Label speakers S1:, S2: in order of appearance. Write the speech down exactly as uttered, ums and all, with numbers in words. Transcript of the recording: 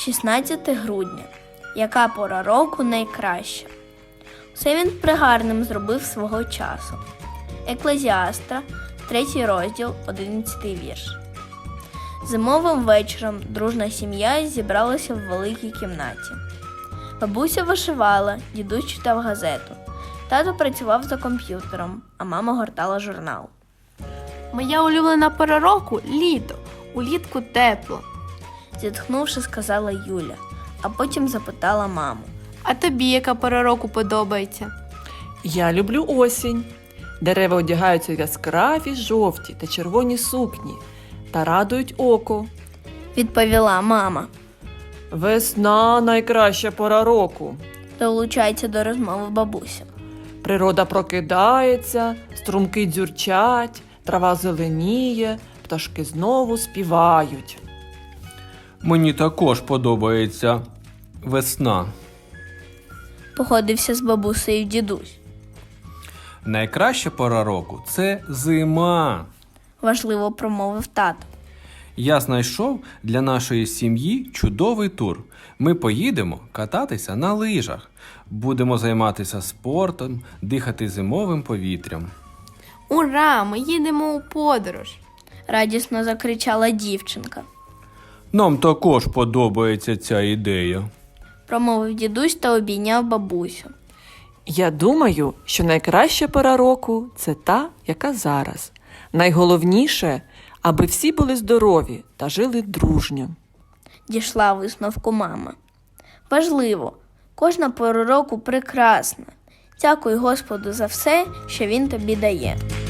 S1: шістнадцяте грудня. Яка пора року найкраща? Все він пригарним зробив свого часу. Еклезіаста, третій розділ, одинадцятий вірш. Зимовим вечором дружна сім'я зібралася в великій кімнаті. Бабуся вишивала, дідусь читав газету. Тато працював за комп'ютером, а мама гортала журнал.
S2: Моя улюблена пора року – літо. Улітку тепло.
S1: Зітхнувши, сказала Юля, а потім запитала маму.
S2: А тобі яка пора року подобається?
S3: Я люблю осінь. Дерева одягаються в яскраві жовті та червоні сукні та радують око.
S1: Відповіла мама.
S3: Весна – найкраща пора року.
S1: Долучається до розмови бабуся.
S3: Природа прокидається, струмки дзюрчать, трава зеленіє, пташки знову співають.
S4: Мені також подобається весна.
S1: Погодився з бабусею дідусь.
S4: Найкраща пора року – це зима.
S1: Важливо промовив тато.
S4: Я знайшов для нашої сім'ї чудовий тур. Ми поїдемо кататися на лижах. Будемо займатися спортом, дихати зимовим повітрям.
S2: Ура! Ми їдемо у подорож.
S1: Радісно закричала дівчинка.
S4: Нам також подобається ця ідея.
S1: Промовив дідусь та обійняв бабусю.
S3: Я думаю, що найкраща пора року – це та, яка зараз. Найголовніше – аби всі були здорові та жили дружньо.
S1: Дійшла висновку мама. Важливо, кожна пора року прекрасна. Дякуй Господу за все, що Він тобі дає.